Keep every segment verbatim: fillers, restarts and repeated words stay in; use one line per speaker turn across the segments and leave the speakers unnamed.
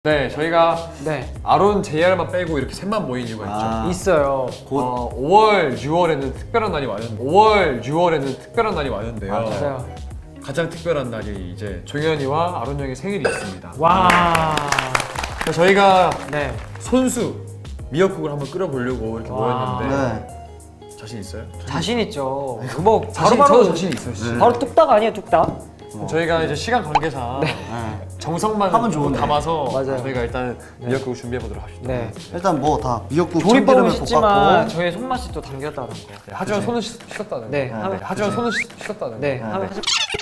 네, 저희가
네
아론, 제이알만 빼고 이렇게 셋만 모인 이유가
아.
있죠.
있어요.
어, 오월, 유월에는 특별한 날이 왔는데 오월, 유월에는 특별한 날이 왔는데요.
맞아요.
가장 특별한 날이 이제 종현이와 아론 형의 생일이 있습니다.
와.
그래서 저희가
네.
손수 미역국을 한번 끓여보려고 이렇게
와.
모였는데
네.
자신 있어요?
자신 있죠. 뭐
자신,
바로
저도 자신 있어요. 진짜.
바로 뚝딱 아니에요, 뚝딱?
어. 저희가 이제 시간 관계상
네.
정성만
하면 좋은데.
담아서
맞아요.
저희가 일단 미역국을 준비해 보도록 합시다.
네.
일단 뭐 다 미역국
조리법은
참기름을
쉽지만
볶았고.
저의 손맛이 또 담겼다는 거.
네, 하지만
그치.
손은 씻- 씻었다는
네.
거.
하면-
네, 하지만
그치.
손은 씻- 씻었다는
네.
거.
하면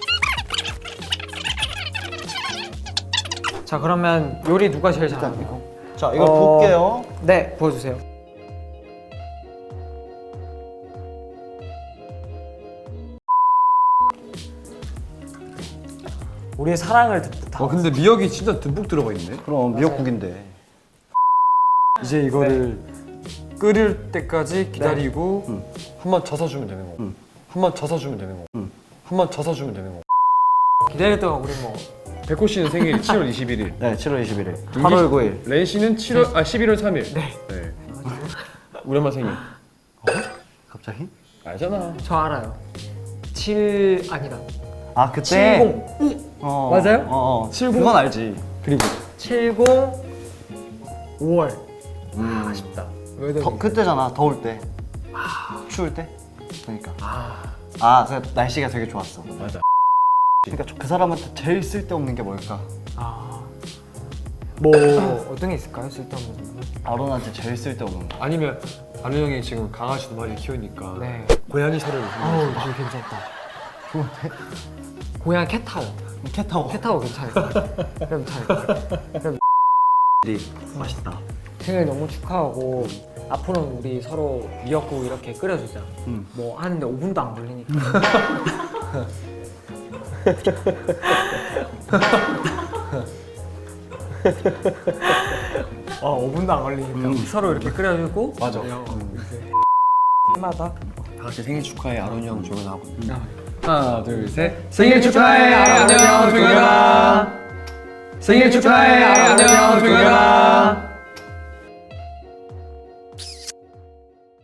자 그러면 요리 누가 제일 잘합니까?
자 이걸
어,
볶게요.
네, 보여주세요. 우리의 사랑을 듬뿍 담아.
어 근데 미역이 진짜 듬뿍 들어가 있네.
그럼 미역국인데.
이제 이거를 끓일 때까지 기다리고
응.
한번 젖어주면 되는 거고
응.
한번 젖어주면 되는 거고
응.
한번 젖어주면 되는 거고.
기다릴 동안 우리 뭐
백호 씨는 생일이 칠월 이십일일,
네, 칠월 이십일일. 팔월 구일.
렌 씨는 칠월 아 십일월 삼일.
네.
네. 우리 엄마 생일
갑자기?
알잖아.
저 알아요. 칠 아니다.
아 그때.
칠십
어,
맞아요?
어, 어.
칠십?
그건 알지.
그리고
칠십 오월.
음.
아쉽다. 왜 더?
더, 그때잖아. 더울 때. 추울 때. 그러니까. 아, 그 날씨가 되게 좋았어.
맞아.
그러니까 저- 그 사람한테 제일 쓸데없는 게 뭘까?
아. 뭐 어떤 게 있을까요? 쓸데없는 점은?
아론한테 제일 쓸데없는 거.
아니면 아는 형이 지금 강아지 두 마리 키우니까
네.
고양이 살을
아우, 되게 괜찮다.
좋은데?
고양 캣타워.
캣타워.
캣타워 괜찮을 것 같아. 그럼 괜찮을 것 같아. 그럼
맛있다.
생일 너무 축하하고 앞으로는 우리 서로 미역국 이렇게 끓여주자.
음.
뭐 하는데 오 분도 안 걸리니까. 어, 오 분도 안 걸리니까
음.
서로 이렇게 끓여주고
맞아.
그냥 이렇게 해마다
다 같이 생일 축하해 아론 형 조연하고.
아,
하나 둘 셋.
생일 축하해, 아론 형, 조연아.
생일 축하해 아론 형 조연아.